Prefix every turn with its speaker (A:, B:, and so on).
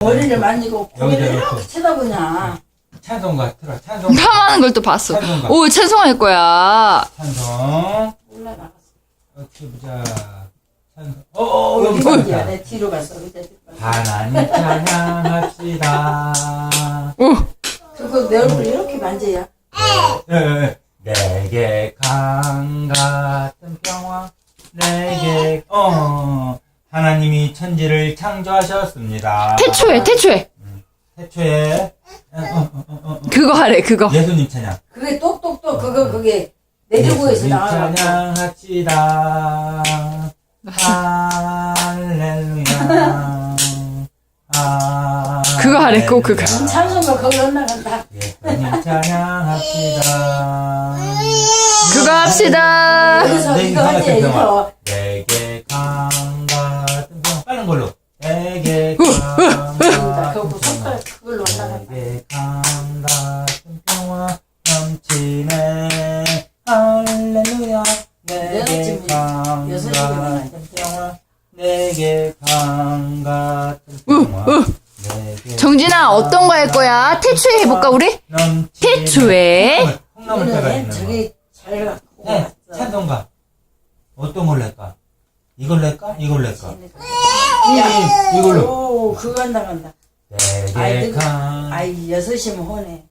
A: 머리를 만지고 고개를
B: 여기다
A: 이렇게
B: 놓고.
A: 쳐다보냐.
B: 찬송가 틀어. 찬송.
C: 탐하는 걸 또 봤어.
B: 찬송가.
C: 오, 찬송할 거야.
B: 찬송.
A: 올라나갔어.
B: 어떻게 보자. 찬송. 여기
A: 어디야?
B: 있다.
A: 내 뒤로 갔어. 그때.
B: 하나님 찬양합시다.
C: 오,
A: 그리고 내 얼굴 이렇게 만져야.
B: 내게 강 같은 평화. 내게 하나님이 천지를 창조하셨습니다.
C: 태초에.
B: 태초에
C: 그거 하래, 그거.
B: 예수님 찬양.
A: 그게 똑똑똑 그게 내주고에서
B: 예수님
A: 나와갖고.
B: 찬양합시다. 할렐루야.
C: 그거 하래, 꼭 그거.
A: 찬송가 거기 올라간다.
B: 예수님 찬양합시다.
C: 그거 합시다.
A: 여기서 이거 하지 이거.
B: 내게 강 같은 평화. 빠른 걸로. 내게 강
A: 그거
B: 같은
A: 손가락
B: 평화.
A: 그걸로 올라간다.
B: 내게 강 같은 평화 넘치네. 할렐루야. 내게 강
A: 여섯 시간
B: 같은 평화. 내게 강 같은 평화. 내게
C: 정진아, 어떤 거 할 거야? 태초에 해볼까, 우리?
B: 넘치네.
C: 태초에.
B: 콩나물 때가
A: 오늘
B: 있는 거.
A: 저기 잘 갖고
B: 네,
A: 왔어.
B: 찬송가. 어떤 걸로 할까? 이걸로 할까? 이걸로 할까?
A: 야,
B: 이걸로.
A: 오, 그거 한다 간다.
B: 내게
A: 아이,
B: 강.
A: 아이, 6시면 혼해.